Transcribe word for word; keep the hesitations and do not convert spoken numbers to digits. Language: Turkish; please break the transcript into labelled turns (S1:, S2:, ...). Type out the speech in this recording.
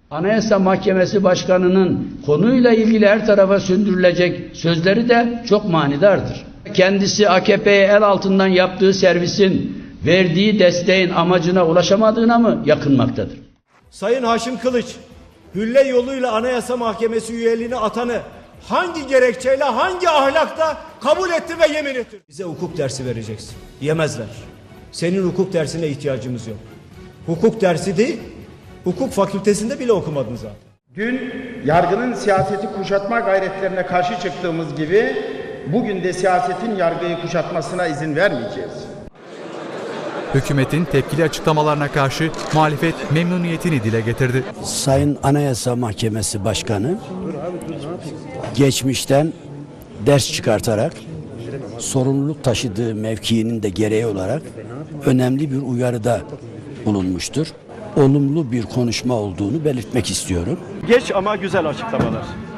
S1: Anayasa Mahkemesi Başkanı'nın konuyla ilgili her tarafa sündürülecek sözleri de çok manidardır. Kendisi A K P'ye el altından yaptığı servisin verdiği desteğin amacına ulaşamadığına mı yakınmaktadır?
S2: Sayın Haşim Kılıç, hülle yoluyla Anayasa Mahkemesi üyeliğine atanı hangi gerekçeyle, hangi ahlakla kabul etti ve yemin etti? Bize hukuk dersi vereceksin. Yemezler. Senin hukuk dersine ihtiyacımız yok. Hukuk dersi değil, hukuk fakültesinde bile okumadın zaten.
S3: Dün yargının siyaseti kuşatma gayretlerine karşı çıktığımız gibi bugün de siyasetin yargıyı kuşatmasına izin vermeyeceğiz.
S4: Hükümetin tepkili açıklamalarına karşı muhalefet memnuniyetini dile getirdi.
S5: Sayın Anayasa Mahkemesi Başkanı geçmişten ders çıkartarak sorumluluk taşıdığı mevkiinin de gereği olarak önemli bir uyarıda bulunmuştur. Olumlu bir konuşma olduğunu belirtmek istiyorum.
S2: Geç ama güzel açıklamalar.